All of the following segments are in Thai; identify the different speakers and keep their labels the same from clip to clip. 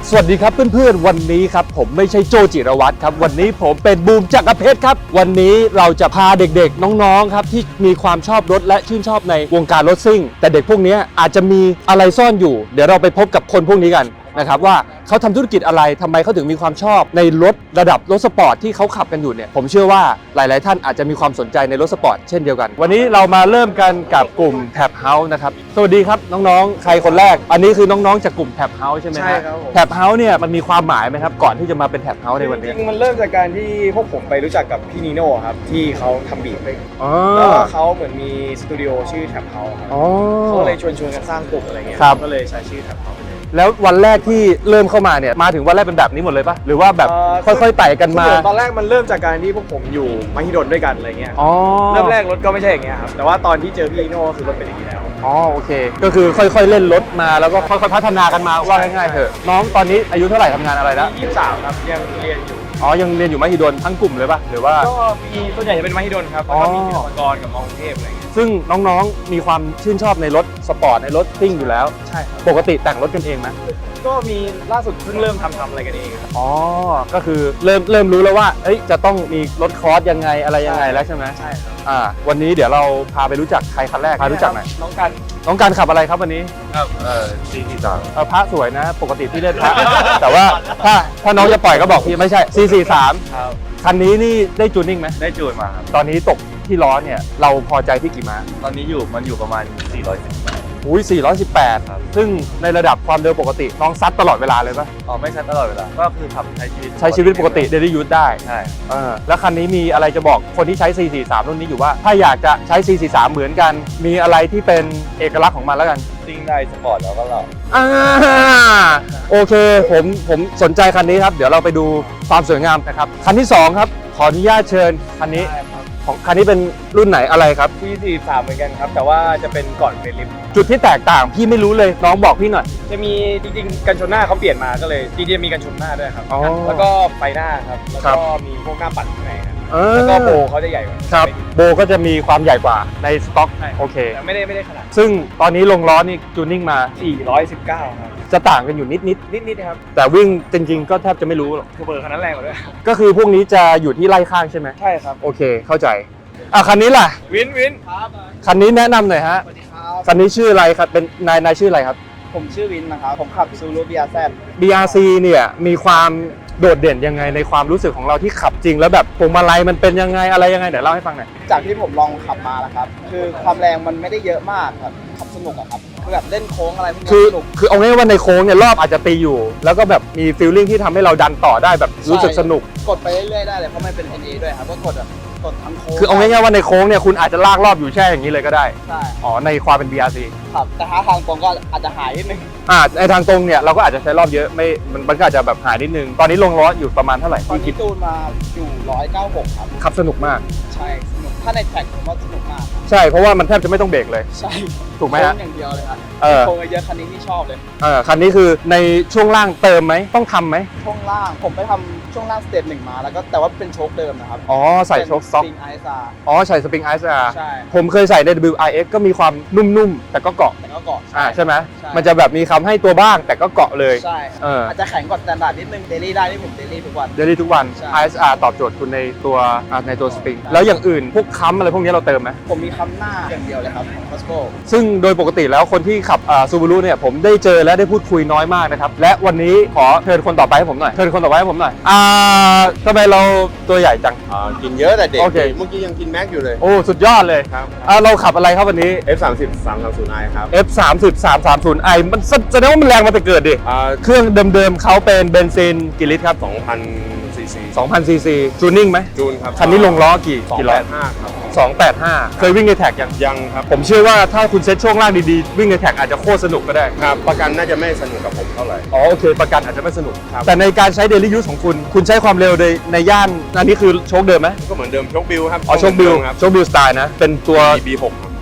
Speaker 1: สวัสดีครับเพื่อนๆวันนี้ครับผมไม่ใช่โจจิรวัตรครับวันนี้ผมเป็นบูมจักรเพชรครับวันนี้เราจะพาเด็กๆน้องๆครับที่มีความชอบรถและชื่นชอบในวงการรถซิ่งแต่เด็กพวกนี้อาจจะมีอะไรซ่อนอยู่เดี๋ยวเราไปพบกับคนพวกนี้กันนะครับว่าเขาทำธุรกิจอะไรทำไมเขาถึงมีความชอบในรถระดับรถสปอร์ตที่เขาขับกันอยู่เนี่ยผมเชื่อว่าหลายๆท่านอาจจะมีความสนใจในรถสปอร์ตเช่นเดียวกันวันนี้เรามาเริ่มกันกับกลุ่มแท็บเฮาส์นะครับสวัสดีครับน้องๆใครคนแรกอันนี้คือน้องๆจากกลุ่มแท็บเฮาส์ใช่ไหม
Speaker 2: ใช่ครับผม
Speaker 1: แท็บเฮาส์เนี่ยมันมีความหมายไหมครับก่อนที่จะมาเป็นแท็บเฮาส์ในวัน
Speaker 2: จ
Speaker 1: นี้
Speaker 2: ริงๆมันเริ่มจากการที่พวกผมไปรู้จักกับพี่นีโน่ครับที่เขาทำบีทเลย
Speaker 1: อ๋อ
Speaker 2: แล้วก็เขาเหมือนมีสตูดิโอชื่อแท็บเฮาส์ครับ
Speaker 1: อ๋อ
Speaker 2: เขาเลยชวนกันสร้างกลุ่มอะไรเงี้ย
Speaker 1: ครับ
Speaker 2: ก็เลยใช้ชื่อแท็บเฮาส์ไปเลย
Speaker 1: แล้ววันแรกที่เริ่มเข้ามาเนี่ยมาถึงวันแรกเป็นแบบนี้หมดเลยปะหรือว่าแบบค่อยๆไต่กันมา
Speaker 2: ตอนแรกมันเริ่มจากการที่พวกผมอยู่มหิดลด้วยกันอะไรเงี้ย
Speaker 1: อ๋อ
Speaker 2: เริ่มแรกรถก็ไม่ใช่อย่างเงี้ยครับแต่ว่าตอนที่เจอพี่นีโน่ก็คือรถเป็นอย่างนี้แล้ว
Speaker 1: อ๋อโอเคก็คือค่อยๆเล่นรถมาแล้วก็ค่อยๆพัฒนากันมาว่าง่ายๆเถอะน้องตอนนี้อายุเท่าไหร่ทำงานอะไรแล้ว
Speaker 2: 23ครับยังเรียนอยู่
Speaker 1: อ๋อยังเรียนอยู่มหิดลทั้งกลุ่มเลยปะหรือว่า
Speaker 2: ก็มีส่วนใหญ่จะเป็นมหิดลครับแล้วก็มีศิลปากรกับมอกรุงเทพอะไรเงี้ย
Speaker 1: ซึ่งน้องๆมีความชื่นชอบในรถสปอร์ตในรถซิ่งอยู่แล้ว
Speaker 2: ใช่ครับ
Speaker 1: ปกติแต่งรถกันเองไหม
Speaker 2: ก็มีล่าสุดเพิ่งเริ่มทำอะไรกันเองครับ
Speaker 1: อ๋อก็คือเริ่มรู้แล้วว่าเอ้ยจะต้องมีรถคอร์สยังไงอะไรยังไงแล้วใช่ไหม
Speaker 2: ใช่ครับ
Speaker 1: วันนี้เดี๋ยวเราพาไปรู้จักใครคันแรกพารู้จักหน่อย
Speaker 2: น้องกัน
Speaker 1: น้องการขับอะไรครับวันนี้
Speaker 3: ครับ443
Speaker 1: พระสวยนะ ปกติพี่เล่นพระ แต่ว่าถ้าน้องจะปล่อยก็บอกพี่ไม่ใช่ 443
Speaker 2: ครับ
Speaker 1: คันนี้นี่ได้จูนนิ่งไหม
Speaker 3: ได้จูนมาครับ
Speaker 1: ตอนนี้ตกที่ล้อเนี่ยเราพอใจที่กี่ม้า
Speaker 3: ตอนนี้มันอยู่ประมาณ 410
Speaker 1: อุ้ย418 ซึ่งในระดับความเร็วปกติน้องซัดตลอดเวลาเลยปะ
Speaker 3: อ๋อไม่ใช่ตลอดเวลา ก็คือขับใช้ชีวิต
Speaker 1: ใช้ชีวิตปกติ daily use ได้
Speaker 3: ใช่
Speaker 1: แล้วคันนี้มีอะไรจะบอกคนที่ใช้ 443 รุ่นนี้อยู่ว่า ถ้าอยากจะใช้ 443 เหมือนกัน มีอะไรที่เป็นเอกลักษณ์ของมันแล้วกัน
Speaker 3: ซิ่งได้สปอร์ตแล้วก็เรา
Speaker 1: โอเคผมสนใจคันนี้ครับ เดี๋ยวเราไปดูความสวยงามนะครับ คันที่ 2 ครับ ขออนุญาตเชิญคันนี้ของคันนี้เป็นรุ่นไหนอะไรครับ
Speaker 2: ที่43เหมือนกันครับ แต่ว่าจะเป็นก่อนเฟรนลิฟต์
Speaker 1: จุดที่แตกต่างพี่ไม่รู้เลยน้องบอกพี่หน่อย
Speaker 2: จะมีจริงๆกันชนหน้าเขาเปลี่ยนมาก็เลยจริงๆมีกันชนหน้าด้วยครับ
Speaker 1: อ๋อ
Speaker 2: แล้วก็ไฟหน้าครับแล้ว
Speaker 1: ครั
Speaker 2: ก็
Speaker 1: บ
Speaker 2: มีพวกหน้าปัดข้างในครับ
Speaker 1: เออ
Speaker 2: แล้วก็โบเขาจะใหญ่กว่า
Speaker 1: ครับโบก็จะมีความใหญ่กว่าในสต็อก
Speaker 2: ใช่
Speaker 1: โอเค
Speaker 2: แต่ไม่ได้ขนาด
Speaker 1: ซึ่งตอนนี้ลงล้อนี่จูนนิ่งมา
Speaker 2: 419ครับ
Speaker 1: จะต่างกันอยู่นิด
Speaker 2: นิดๆครับ
Speaker 1: ๆแต่วิ่งจริงๆก็แทบจะไม่รู้หรอก
Speaker 2: คือเบอร์คันนั้นแรงกว่าด้วย
Speaker 1: ก็คือพวกนี้จะอยู่ที่ไล่ข้างใช่ไหม
Speaker 2: ใช่ครับ
Speaker 1: โอเคเข้าใจคันนี้ล่ะ
Speaker 2: วินครับ
Speaker 1: คันนี้แนะนำหน่อยฮะ
Speaker 2: สวัสดีครับ
Speaker 1: คันนี้ชื่ออะไรครับเป็นนายชื่ออะไรครับ
Speaker 2: ผมชื่อวินนะครับผมขับซูรุบีอาร์แซ
Speaker 1: BRC เนี่ยมีความโดดเด่นยังไงในความรู้สึกของเราที่ขับจริงแล้วแบบพวงมาลัยมันเป็นยังไงอะไรยังไงเดี๋ยวเล่าให้ฟังหน่อย
Speaker 4: จากที่ผมลองขับมาแล้วครับ คือความแรงมันไม่ได้เยอะมากครับ ขับสนุกอะครับคือแบบเล่นโค้งอะไรพวกนี้
Speaker 1: คือ
Speaker 4: สนุก
Speaker 1: คือเอาง่ายๆว่าในโค้งเนี่ยรอบอาจจะตีอยู่ แล้วก็แบบมีฟีลลิ่งที่ทำให้เราดันต่อได้แบบรู้สึกสนุก
Speaker 4: กดไปเรื่อยๆได้เลย เพราะมันเป็น NA ด้วยครับ ก็กดแบบกดทั้งโค้ง
Speaker 1: คือเอาง่ายๆว่าในโค้งเนี่ยคุณอาจจะลากรอบอยู่แช่อย่างนี้เลยก็ได้
Speaker 4: ใช่
Speaker 1: อ๋อในความเป็น BRC
Speaker 4: ครับ แต่ถ้าทางตรงก็อาจจะหายนิดนึง
Speaker 1: ในทางตรงเนี่ยเราก็อาจจะใช้รอบเยอะไม่มันก็อาจจะแบบหายนิดนึง ตอนนี้ลงล้ออยู่ประมาณเท่าไหร่
Speaker 4: ตอน
Speaker 1: ที่คิ
Speaker 4: นี้
Speaker 1: ด
Speaker 4: ตูนมาอยู่ 196 ครับ
Speaker 1: ขับสนุกมาก
Speaker 4: ใช่ สนุก ถ้าในแท็กผมว่าสนุกมากครับ
Speaker 1: ใช่เพราะว่ามันแทบจะไม่ต้องเบรกเลย
Speaker 4: ใช่
Speaker 1: ถูกไหม
Speaker 4: โค้
Speaker 1: ฮะ
Speaker 4: งอย่างเดียวเลยครับ
Speaker 1: เออ
Speaker 4: โค้งเยอะๆคันนี้ที่ชอบเลย
Speaker 1: คันนี้คือในช่วงล่างเติมไหมต้องทำไหม
Speaker 4: ช่วงล่าง ผมไปทำช่วงล่างสเตจหนึ่งมา แล้วก็แต่ว่าเป็นโชคเดิมนะครับ
Speaker 1: อ๋อใส่โชคซ็อก
Speaker 4: เป็น Spring ISR
Speaker 1: อ๋อใส่สปริงไอซ์อาร์
Speaker 4: ใช่
Speaker 1: ผมเคยใส่ใน WRX ก็มีความนุ่มๆ แต่ก็เกาะ
Speaker 4: แต่ก็เกาะ
Speaker 1: ใช่ไหม
Speaker 4: ใช่
Speaker 1: มันจะแบบมีคำให้ตัวบ้างแต่ก็เกาะเลย
Speaker 4: ใช่ อาจจะแข็งกว่าสแตนดาร์ดนิดนึงเดลี่ได้ที่ผมเดลี่ทุกวัน
Speaker 1: เดลี่ทุกวัน
Speaker 4: ใช่
Speaker 1: ISR ตอบโจทย์คุณในตัวสปริงแล้วอย่างอื่นพวกค้ำอะไรพวกนี้เราเติมไหม
Speaker 4: ผมมีคำหน้าอย่างเดียวเลยครับของ Costco
Speaker 1: ซึ่งโดยปกติแล้วคนที่ขับซูบูรุเนี่ยผมได้เจอและได้พูดคุยน้อยมากนะครับ และวันนี้ขอเชิญคนต่อไปให้ผมหน่อย เชิญคนต่อไปให้ผมหน่อยทำไมเราตัวใหญ่จัง
Speaker 3: กินเยอะแต่เด็ก
Speaker 1: โอเค
Speaker 3: เมื่อกี้ยังกินแม็กอยู่เลย
Speaker 1: โอ้สุดยอดเลย
Speaker 3: ครับ
Speaker 1: เราขับอะไรครับวันนี้
Speaker 3: F30 330i ครับ
Speaker 1: F30 330i มันแสดงว่ามันแรงมาแต่เกิดดิ เครื่องเดิมๆเขาเป็นเบนซินกี่ลิตรครับ
Speaker 3: 2,000 ซีซี
Speaker 1: 2,000 ซีซีจูนนิ่งไหม
Speaker 3: จูนครับ
Speaker 1: คันนี้ลงล้อกี่ล้อ
Speaker 3: 285ครับ
Speaker 1: 285 เคยวิ่งในแท็กยัง
Speaker 3: ยังครับ
Speaker 1: ผมเชื่อว่าถ้าคุณเซ็ตช่วงล่างดีๆ วิ่งในแท็กอาจจะโคตรสนุกก็ได้
Speaker 3: ครับ ประกันน่าจะไม่สนุกกับผมเท่าไหร่
Speaker 1: อ๋อโอเค ประกันอาจจะไม่สนุก
Speaker 3: ครับ
Speaker 1: แต่ในการใช้เดลี่ยูสของคุณใช้ความเร็วในย่านอันนี้คือโชคเดิมไหม
Speaker 3: ก็เหมือนเดิมโชคบิลครับ
Speaker 1: อ๋อโชคบิล
Speaker 3: ครับ
Speaker 1: โชคบิลสไตล์นะ เป็นตัว
Speaker 3: B6 ครับ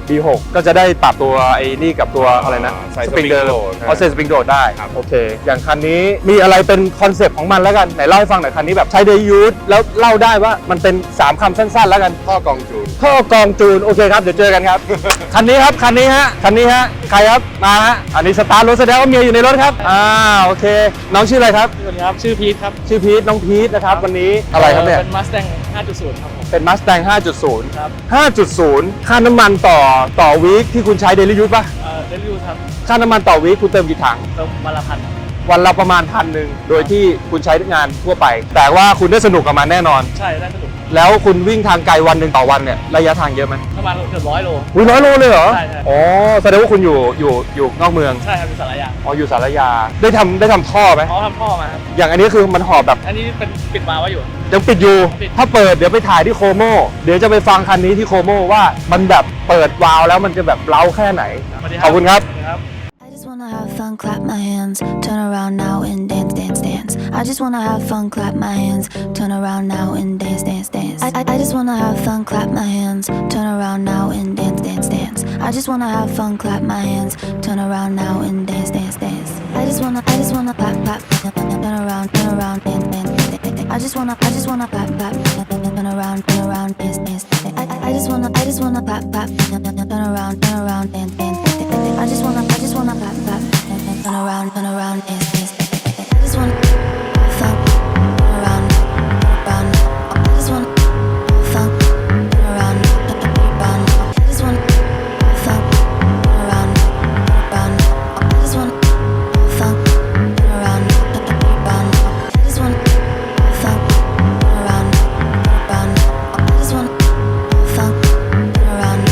Speaker 1: B6 ก็จะได้ปรับตัวไอ้นี่กับตัวอะไรนะ
Speaker 3: ใส่
Speaker 1: สปริงเดิม
Speaker 3: spring load
Speaker 1: เอาเซนสปริงโดดได้
Speaker 3: ครับ
Speaker 1: โอเค อย่างคันนี้มีอะไรเป็นคอนเซปต์ของมันแล้วกันไหนเล่าให้ฟังหน่อยคันนี้แบบใช้เดย์ยูสแล้วเล่าได้ว่ามันเป็น3คำสั้นๆแล้วกัน
Speaker 3: ท่อกองจูน
Speaker 1: ท่อกองจูนโอเคครับเดี๋ยวเจอกันครับ คันนี้ครับคันนี้ฮะใครครับมาฮะอันนี้สตาร์ทรถแสดงว่าเมียอยู่ในรถครับโอเคน้องชื่ออะไรครับ
Speaker 5: สวัสดีครับ ชื่อพีทครับ
Speaker 1: ชื่อพีทน้องพีทนะครับวันนี้อะไรครับเนี่ย
Speaker 5: เป็น Mustang 5.0 ครับผม
Speaker 1: เป็น Mustang 5.0
Speaker 5: ครับ
Speaker 1: 5.0 ค่าน้ำมันต่อวีคที่คุณใช้เดลิยูสป่ะ
Speaker 5: เดลิวครับ
Speaker 1: ค่าน้ำมันต่อวีคคุณเติมกี่ถัง
Speaker 5: เติมวันละพัน
Speaker 1: วันละประมาณ1,000โดยที่คุณใช้งานทั่วไป แต่ว่าคุณได้สนุกกับมันแน่นอน
Speaker 5: ใช่ ได้สนุก
Speaker 1: แล้วคุณวิ่งทางไกลวันหนึ่งต่อวันเนี่ยระยะทางเยอะไหม
Speaker 5: ประมาณเกือบ100 โล
Speaker 1: อุ้ย100 โลเลยเหรอ
Speaker 5: ใช่
Speaker 1: อ๋อแสดงว่าคุณอยู่นอกเมือง
Speaker 5: ใช่ครับเป็นสารยา
Speaker 1: อ๋ออยู่สารยาได้ทำท่อไหม
Speaker 5: เขาทำท่อมาครับ
Speaker 1: อย่างอันนี้คือมันหอบแบบ
Speaker 5: อันนี้เป็นปิดวาล์วไว้อยู่
Speaker 1: ยังปิดอยู่
Speaker 5: ปิด
Speaker 1: ถ้าเปิดเดี๋ยวไปถ่ายที่โคโมเดี๋ยวจะไปฟังคันนี้ที่โคโมว่ามันแบบเปิดวาล์วแล้วมันจะแบบเล้าแค่ไหน
Speaker 5: สวัสดี
Speaker 1: ขอบคุณครับ
Speaker 5: สวัสดีครับ
Speaker 6: I just wanna have fun, clap my hands, turn around now and dance, dance, dance. I just wanna have fun, clap my hands, turn around now and dance, dance, dance. I just wanna have fun, clap my hands, turn around now and dance, dance, dance. I just wanna have fun, clap my hands, turn around now and dance, dance, dance. I just wanna clap, clap, turn around, dance, dance, dance. I just wanna clap, clap, turn around, dance, dance, dance. I just wanna clap, clap, turn around, dance, dance, dance. I just wanna clap, clap, turn around, dance, dance. I just wanna fun, turn around. I just wanna fun, turn around. I just wanna fun, turn around. I just wanna fun, turn around. I just wanna fun, turn around. I just wanna fun, turn around.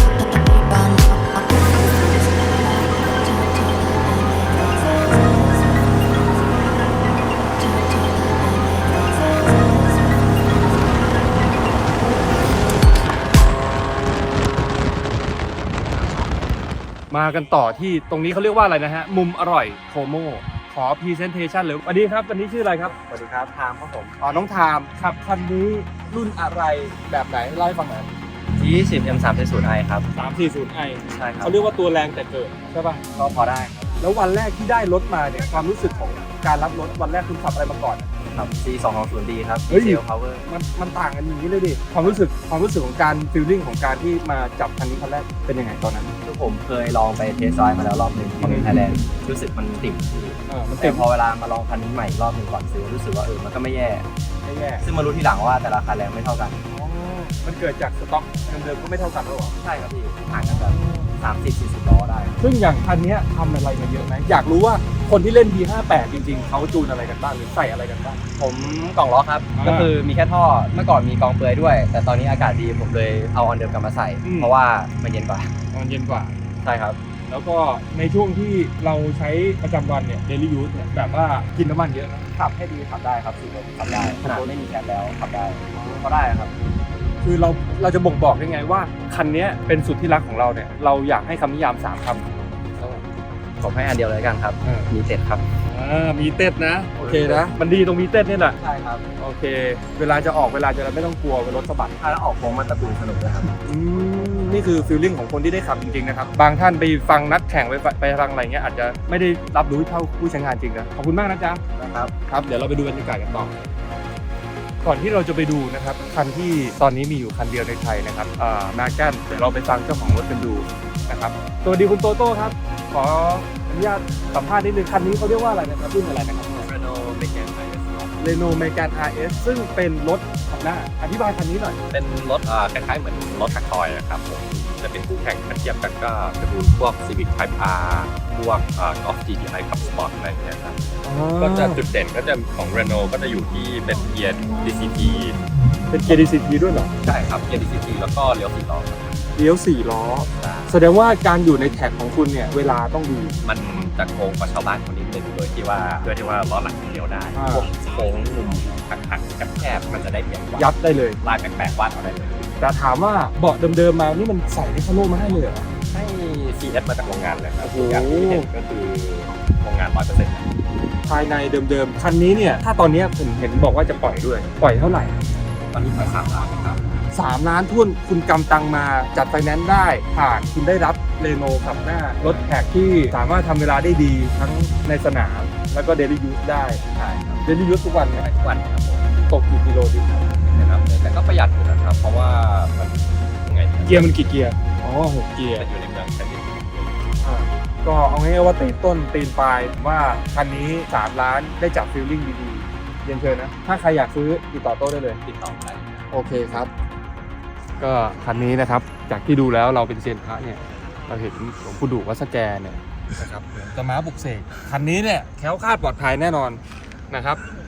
Speaker 1: มากันต่อที่ตรงนี้เขาเรียกว่าอะไรนะฮะ มุมอร่อยโคโมขอพรีเซนเทชันเลยสวัสดีครับวันนี้ชื่ออะไรครับ
Speaker 2: สวัสดีครับทามครับผม
Speaker 1: อ๋อน้องทามขับคันนี้รุ่นอะไรแบบไหนเล่าให้ฟังหน่อย
Speaker 4: 20 M340i ครับ
Speaker 1: 340i
Speaker 4: ใช่ครับ
Speaker 1: เขาเรียกว่าตัวแรงแต่เกิดใช่ป่ะ
Speaker 4: ก็พอได้ครับ
Speaker 1: แล้ววันแรกที่ได้รถมาเนี่ยความรู้สึกของการรับรถวันแรกคุณขับอะไรมาก่อน
Speaker 4: ครับ C220D ครับ
Speaker 1: เฮ้ย
Speaker 4: Diesel Power
Speaker 1: มันต่างกันอย่างนี้เลยดิความรู้สึกของการฟีลลิ่งของการที่มาจับคันนี้คันแรกเป็นยังไงตอนนั้น
Speaker 4: คือผมเคยลองไปเทสไดรฟ์มาแล้วรอบหนึ่งของไทยแลนด์รู้สึกมันติ่มที่
Speaker 1: มัน
Speaker 4: แต่
Speaker 1: เต็ม
Speaker 4: พอเวลามาลองคันนี้ใหม่อีกรอบหนึ่งก่อนซื้อรู้สึกว่ามันก็ไม่แย่
Speaker 1: ไม่แย่
Speaker 4: ซึ่งมารู้ทีหลังว่าแต่ละคันแรงไม่เท่ากัน
Speaker 1: มันเกิดจากสต็อกเดิมๆก็ไม่เท่ากันหรอ
Speaker 4: ใช่ครับพี่ห่างกันแบบ30-40 ล้อได้
Speaker 1: ซึ่งอย่างคันนี้ทำอะไรมาเยอะไหมอยากรู้ว่าคนที่เล่น B58 จริงๆเขาจูนอะไรกันบ้างหรือใส่อะไรกันบ้าง
Speaker 4: ผมกล่องล้อครับ ก็คือมีแค่ท่อเมื่อก่อนมีกองเปลือยด้วย แต่ตอนนี้อากาศดีผมเลยเอาออนเดิมกลับมาใส่ เพราะว่ามันเย็นกว่า
Speaker 1: มันเย็นกว่า
Speaker 4: ใช่ครับ
Speaker 1: แล้วก็ในช่วงที่เราใช้ประจำวันเนี่ย daily use เนี่ยแบบว่ากินน้ำมันเยอะนะ
Speaker 4: ขับให้ดีขับได้ครับขี่รถขับได้ขนาดไม่มีแคปแล้วขับได้ก็ได้ครับ
Speaker 1: คือเราจะบ่งบอกได้ไงว่าคันนี้เป็นสุดที่รักของเราเนี่ยเราอยากให้คำนิยาม3คำ
Speaker 4: ผมให้อันเดียวเลยกันครับ มีเต็ดครับ
Speaker 1: มีเต้นนะโอเคนะมันดีตรงมีเต้นนี่แหละ
Speaker 4: ใช่ครับ
Speaker 1: โอเค เวลาจะออกเวลาจะไม่ต้องกลัวรถสะบัด
Speaker 4: ถ้าแล้วออกโค้งมันตะปูสนุกเลยครับ
Speaker 1: นี่คือฟีลลิ่งของคนที่ได้ขับจริงๆนะครับบางท่านไปฟังนัดแข่งไปฟังอะไรเงี้ยอาจจะไม่ได้รับรู้เท่าผู้ใช้งานจริงนะขอบคุณมากนะจ๊ะ
Speaker 4: นะครับ
Speaker 1: ครับเดี๋ยวเราไปดูบรรยากาศกันต่อก่อนที่เราจะไปดูนะครับคันที่ตอนนี้มีอยู่คันเดียวในไทยนะครับมาแกนเดี๋ยวเราไปฟังเจ้าของรถกันดูนะครับสวัสดีคุณโตโต้ครับขออนุญาตสัมภาษณ์นิดนึงคันนี้เขาเรียกว่าอะไรนะครับรุ่นอะไรนะครับ
Speaker 4: Renault Megane RS
Speaker 1: เรโนเมแกน RS ซึ่งเป็นรถคันหน้าอธิบายคันนี้หน่อย
Speaker 7: เป็นรถคล้ายๆเหมือนรถแท็กทอยครับผมจะเป็นคู่แข่งถ้าเทียบกันก็จะดูพวก Civic Type R พวกGolf GTI ขับสปอร์ตอะไรอย่างเงี้ยครับก็จะจุดเด่นก็จะของ Renault ก็จะอยู่ที่เป็นเกียร์ DCT
Speaker 1: เป็นเกียร์ DCT ด้วยเหรอ
Speaker 7: ใช่ครับเกียร์ DCT แล้วก็เลี้ยว4ล้อครับ
Speaker 1: เลี้ยว4 ล้อ แสดงว่าการอยู่ในแท็กของคุณเนี่ยเวลาต้องดี
Speaker 7: มันจะโค้งกว่าชาวบ้านคนนิดนึงโดยที่ว่าล้อหลังเลี้ยวได้
Speaker 1: อ่า
Speaker 7: พวกโค้งมุมหักๆแคบๆมันจะได้เปรียบกว่า
Speaker 1: ยัดได้เลย
Speaker 7: ลายแปลกๆวาดเอาได้เลย
Speaker 1: แต่ถามว่าเบาะเดิมๆมานี่มันใส่ในคาโน่มาให้เลยเหรอ
Speaker 7: ให้ CS มาจากโรงงานเลยครับ
Speaker 1: โอ้โห
Speaker 7: ทุกอย่างที่เห็นก็คือโรงงาน 100%
Speaker 1: ภายในเดิมๆคันนี้เนี่ยถ้าตอนนี้ผมเห็นบอกว่าจะปล่อยด้วยปล่อยเท่าไหร่
Speaker 7: ตอนนี้ปล่อย3ล้านครับ
Speaker 1: 3 ล้านทุ่นคุณกำตังมาจัดไฟแนนซ์ได้ผ่านคุณได้รับเรโนขับหน้ารถแท็กที่สามารถทำเวลาได้ดีทั้งในสนามแล้วก็เดลี่ยูสได้
Speaker 7: ใช่ครับ
Speaker 1: เดลี่ยูสทุกวันไหม
Speaker 7: ทุกวันครับผม
Speaker 1: ตกกี่กิโลดิ
Speaker 7: นะครับแต่ก็ประหยัดอยู่นะครับ เพราะว่ามันยังไงดี
Speaker 1: เกียร์มันกี่เกียร์อ๋อ6เกียร์
Speaker 7: จะอยู่ในเมืองแผ่นดิน
Speaker 1: ก็เอาง่ายๆว่าตีนต้นตีนปลายว่าคันนี้ 3 ล้านได้จับฟีลลิ่งดีๆเรียนเชิญนะ ถ้าใครอยากซื้อติดต่อโต้ได้เลย
Speaker 7: ติดต่อได้
Speaker 1: โอเคครับ ก็คันนี้นะครับจากที่ดูแล้วเราเป็นเซียนพระเนี่ยเราเห็นหลวงปู่ดูวัดสแกเนี่ยนะครับเหมือนจะม้าบุกเสกคันนี้เนี่ยแคล้วคลาดปลอดภัยแน่นอนนะครับ